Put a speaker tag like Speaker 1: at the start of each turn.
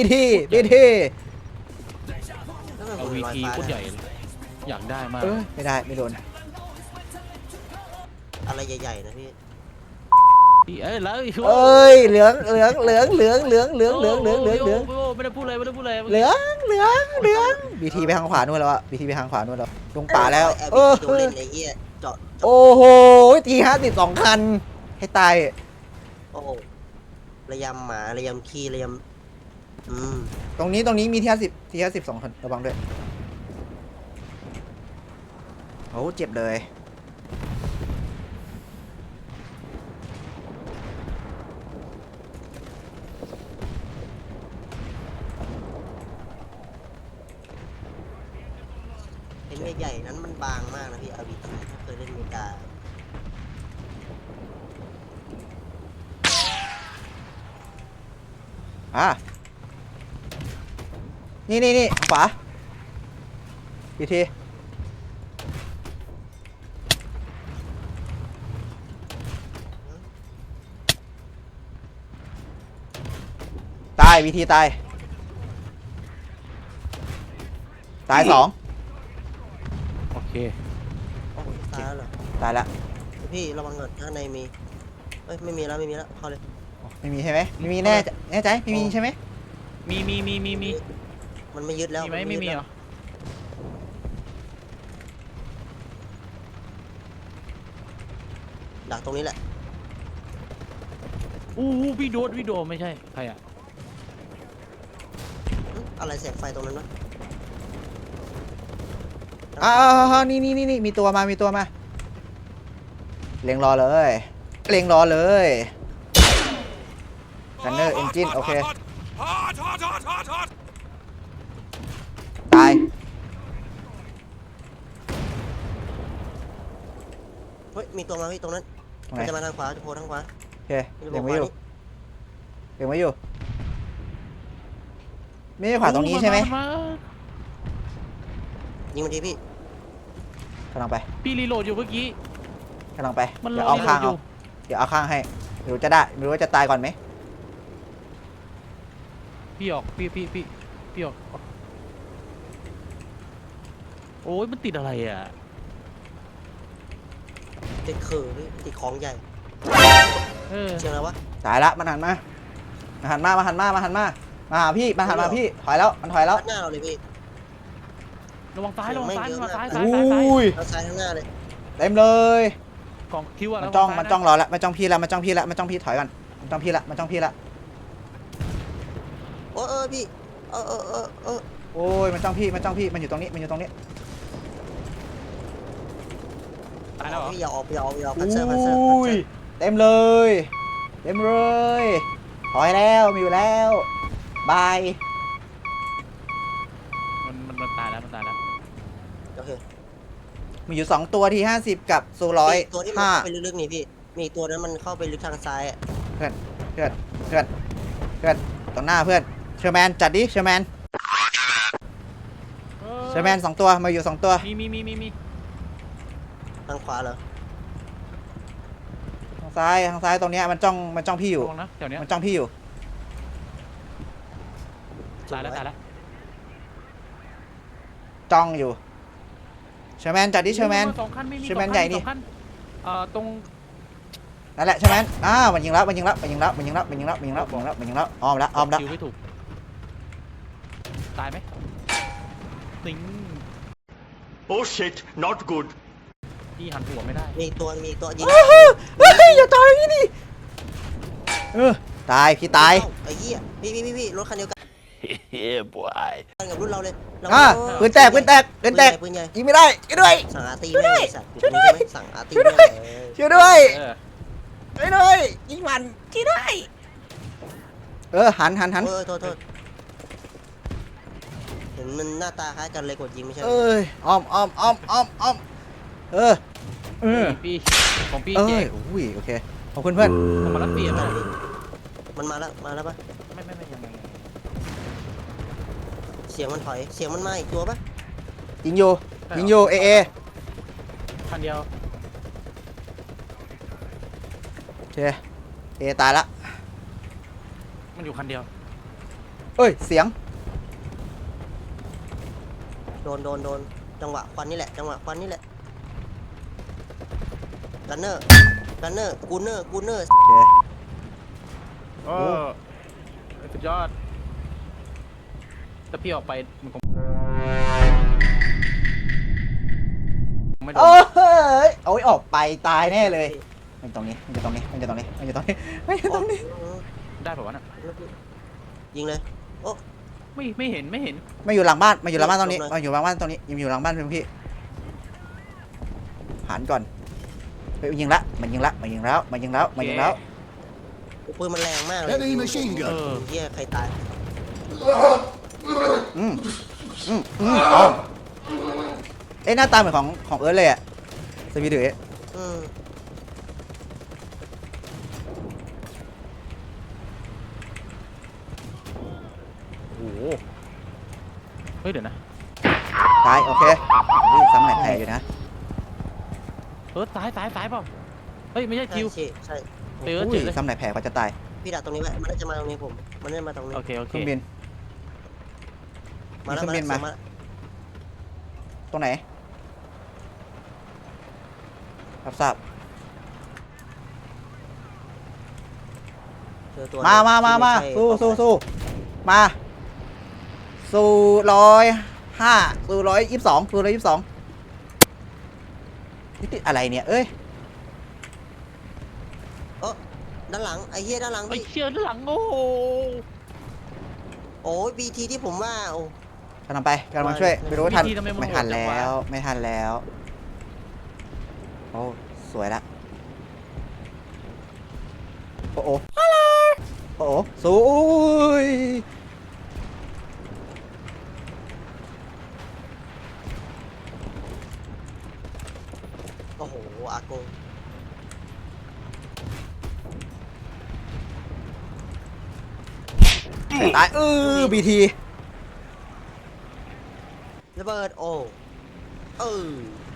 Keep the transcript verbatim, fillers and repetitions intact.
Speaker 1: ทีบีที
Speaker 2: เอาวีทีโคตรใหญ่อยากได้มาก
Speaker 1: ไม่ได้ไม่โดน
Speaker 3: อะไรใหญ่ๆนะพี่
Speaker 2: เอ้ยแล้ว
Speaker 1: เอ้ยเหลืองเหลืองเหลืองเหลืองเหลืองเหลืองเหลืองเหลืองเหลืองเหลือง
Speaker 2: ไม่ได้พูดเลยไม่ได้พูดเลย
Speaker 1: เหลืองเหลืองเหลืองบีทีไปทางขวานู่นแล้วอะบีทีไปทางขวานู่นแล้วลงป่าแล้ว
Speaker 3: เออโดนเล่นไอ้เหี้ยเจาะ
Speaker 1: โอ้โหทีห้าสิบสองคันให้ตาย
Speaker 3: โอ้ระยำหมาระยำขี้ระยำอืม
Speaker 1: ตรงนี้ตรงนี้มีทีห้าสิบทีห้าสิบสองคันระวังด้วยโอ้เจ็บเลย
Speaker 3: ไอ้เมฆใหญ่นั้นมันบางมากนะพี่อาร์บีทีถ้าเคยเล่นเมกา
Speaker 1: อ่ะนี่นี่นี่ขวาบีทีตายบีทีตายตายสอง
Speaker 2: โอเค
Speaker 3: ตายแล้วเหรอ
Speaker 1: ตายละ
Speaker 3: พี่ระวังเงินข้างในมีเอ้ยไม่มีแล้วไม่มีแล้วเข้าเลย
Speaker 1: ไม่มีใช่ไหมไม่มีแน่แน่ใจไม่มีใช่ไหม
Speaker 2: มีมีมีมีมี
Speaker 3: มันไม่ยึดแล้ว
Speaker 2: มีไหมไม่มีเหรอ
Speaker 3: ดักตรงนี้แหละ
Speaker 2: อู้พี่โดดพี่โดดไม่ใช่ใครอะ
Speaker 3: อะไรแสงไฟตรงนั้นวะ
Speaker 1: อ่านี่นี่นี่นี่มีตัวมามีตัวมาเล็งรอเลยเล็งรอเลยกันเนอร์เอนจินโอเคตาย
Speaker 3: เฮ้ยมีตัวมาพี่ตรงนั้นมันจะมาทางขวาจะโผล่ทางขวา
Speaker 1: โอเคเล็งไว้อยู่เล็งไว้อยู่ไม่ใช่ขวาตรงนี้ใช่ไหม
Speaker 3: ยิงมันทีพี่
Speaker 1: กำลังไป
Speaker 2: พี่รีโหลดอยู่เมื่อกี้
Speaker 1: กำลังไปเดี๋ยวเอาข้างเอาเดี๋ยวเอาข้างให้ไม่รู้จะได้ไม่รู้ว่าจะตายก่อนไหม
Speaker 2: พี่ออกพี่พี่พี่พี่ออกโอ้ยมันติดอะไรอ่ะ
Speaker 3: ติดคือพี่ติดของใหญ่
Speaker 2: เออ
Speaker 3: เชื่อแล้ววะ
Speaker 1: ตายละมันหันมามาหันมามาหันมามาหันมามาหาพี่มาหันมาพี่ถอยแล้วมันถอยแล้ว
Speaker 3: หน้าเราเลยพี่
Speaker 2: ระวังซ้ายระวังซ้ายระวังซ้ายซ้ายซ้ายซ้าย
Speaker 3: ซ้ายข้างหน้าเลย
Speaker 1: เต็มเลย
Speaker 2: ของคิวอะ
Speaker 1: มันจ้องมันจ้องรอแล้วมันจ้องพี่แล้วมันจ้องพี่แล้วมันจ้องพี่ถอยก่อนมันจ้องพี่ละมันจ้องพี่ละ
Speaker 3: โอ้เออพี่เออเออเออเออ
Speaker 1: โอ้ยมันจ้องพี่มันจ้องพี่มันอยู่ตรงนี้มันอยู่ตรงนี้
Speaker 2: ตายแล้วเหรอ
Speaker 3: พี่อย่าออกอย่าออกอย่าออกพันเซอร์พันเซอร์
Speaker 1: เต็มเลยเต็มเลยถอยแล้วมีอยู่แล้วบาย
Speaker 2: มันมันมันตายแล้วมันตายแล้ว
Speaker 3: โอเค
Speaker 1: มีอยู่สองตัวที่ห้าสิบกับโซร้อย
Speaker 3: ตัวที่มันเข้าไปลึกๆนี่พี่มีตัวนั้นมันเข้าไปลึกทางซ้ายอ่ะ
Speaker 1: เพื่อนเพื่อนเพื่อนเพื่อนตรงหน้าเพื่อนเชอร์แมนจัดดิเชอร์แมนเชอร์แมนสองตัวมาอยู่สองตัว
Speaker 2: มีมีมีมีมี
Speaker 3: ทางขวาเหรอ
Speaker 1: ทางซ้ายทางซ้ายตรงเนี้ยมันจ้องมันจ้องพี่อยู่
Speaker 2: นะแถวเนี้ย
Speaker 1: มันจ้องพี่อยู่
Speaker 2: ตายแล้วตายแล้ว
Speaker 1: จ้องอยู่เชอร์แมนจัดดิเชอร์แมนเชอร์แมนใหญ่นี่
Speaker 2: เอ่อตรง
Speaker 1: นั่นแหละเชอร์แมนอ้าวมันยิงแล้วมันยิงแล้วมันยิงแล้วมันยิงแล้วมันยิงแล้วมันยิงแล้วมันยิงแล้วมันยิงแล้วอ้อมแล้วอ้อมแล้ว
Speaker 2: คิวไม่ถูกตายไหมติง
Speaker 4: Oh shit not good
Speaker 2: พี่หันหัวไม่ได้
Speaker 3: มีตัวมีตัวยิง
Speaker 1: อย่าตายอย่างนี้ดิเออตายพี่ตาย
Speaker 3: ไอ้เหี้ยพี่พี่พี่รถคันเดียวกัน
Speaker 4: เฮ้ยบอย
Speaker 3: กับรุ่นเราเลย
Speaker 1: อ่าปืนแตกปืนแตกปืนแตกยิงไม่ได้ช่วยด้วย
Speaker 3: สั่งอาตีไม่สัตว์ช่วยด้วยสั่งอาตี
Speaker 1: ช่วยด้วยช่วยด้วยช่วยด้วยยิงมันช่วยด้วยเออหันหันหัน
Speaker 3: เออโทษโทษเห็นมันหน้าตาคล้ายกันเลยกดยิงไม่ใช่
Speaker 1: เอ้ยอ้อมอ้อมอ้อมอ้อมอ้อมเออเออ
Speaker 2: พี่ของพี่
Speaker 1: เอ้ยอุ้ยโอเคขอบคุณเพื่อน
Speaker 2: มาแล้วเปลี่ยน
Speaker 3: มันมาแล้วมาแล้วปะ
Speaker 2: ไม่ไม่ไม่ยังไง
Speaker 3: เสียงมันถอยเสียงมันมาอีกตัวปะ
Speaker 1: ยิงอยู่ยิงอยู่เอเอ
Speaker 2: คันเดียว
Speaker 1: โอเคเอตายละ
Speaker 2: มันอยู่คันเดียว
Speaker 1: เอ้ยเสียง
Speaker 3: โดนโดนโดนจังหวะควันนี่แหละจังหวะควันนี่แหละกันเนอร์กันเนอร์กูเนอร์กูเนอร์
Speaker 1: โอเค
Speaker 2: เออสุดยอดถ้าพี่ออกไปมันคงไม่โด
Speaker 1: โอ้
Speaker 2: น
Speaker 1: ยโอ้ยออกไปตายแน่เลยมันตรงนี้มันจะตรงนี้มันจะตรงนี้มันจะตรงนี้มันจะตรงนี้
Speaker 2: ได้ป่าวะน่ะ
Speaker 3: ยิงเลยโอ้
Speaker 2: ไม่ไม่เห็นไม่เห็น
Speaker 1: มาอยู่หลังบ้านมาอยู่หลังบ้านตรงนี้
Speaker 3: ตรงไหน
Speaker 1: มาอยู่หลังบ้านตรงนี้ยังอยู่หลังบ้านเพื่อนพี่หันก่อนเฮ้ยยิงละมันยิงละมันยิงแล้วมันยิงแล้วมันยิงแล้ว
Speaker 3: ปืนมันแรงมากเลย
Speaker 5: Enemy machine
Speaker 2: เอ
Speaker 5: gun.
Speaker 2: อ
Speaker 3: เฮียใครตาย
Speaker 1: อืมอืมอืมเอาเอ๊ะหน้าตาเหมือนของของเอิร์ธเลยอะสวีดือ
Speaker 3: อืม
Speaker 2: โอ้โหเฮ้ยเดี๋ยวนะ
Speaker 1: ตายโอเคนี่ซ้ำไหนแพ้อยู่นะ
Speaker 2: เออซ้ายซ้ายซ้ายเปล่าเฮ้ยไม่ใช่
Speaker 3: ใช่
Speaker 2: คิว
Speaker 3: ใช่ใช่
Speaker 2: เออ
Speaker 1: อุ้
Speaker 2: เจ็
Speaker 1: ย
Speaker 2: บเลย
Speaker 1: ซ้ำไหนแพ้ก็จะตาย
Speaker 3: พี่ดักตรงนี้ไว้มันน่าจะมาตรงนี้ผมมันน่าจะมาตรงนี้
Speaker 2: โอเคโอ
Speaker 1: เค
Speaker 2: เค
Speaker 1: รื่องบิน
Speaker 3: มาแล้ว
Speaker 1: มีเครื่องบินมา
Speaker 3: มาแล้ว
Speaker 1: ตรงไหนรับทราบ
Speaker 3: เจอตัว
Speaker 1: มามามามา
Speaker 3: ที่
Speaker 1: สู้
Speaker 3: ไใช่
Speaker 1: สู้สู้มาสู้ร้อยห้าสู้ร้อยยี่สิบสองสู้ร้อยยี่สิบสองนี่ติดอะไรเนี่ยเอ้ย
Speaker 3: เออด้านหลังไอ้เหี้ยด้านหลัง
Speaker 2: ไอ้
Speaker 3: พี่
Speaker 2: เชี่ยด้านหลังโอ้โห
Speaker 3: โอ้ยบีทีที่ผมว่าโอ้
Speaker 1: กำลังไปกำลังช่วยไม่รู้ว่าทัน
Speaker 2: วิธีทำไมมัน
Speaker 1: ไม่ทัน
Speaker 2: โหดจัง
Speaker 1: แล้ว
Speaker 2: วะ
Speaker 1: ไม่ทันแล้วโอ้สวยละโอ้โหโอ้โหสู้อุ้ย
Speaker 3: โอ้โหอากง
Speaker 1: ตายเออบีที
Speaker 3: ระเบิดโอ้เออ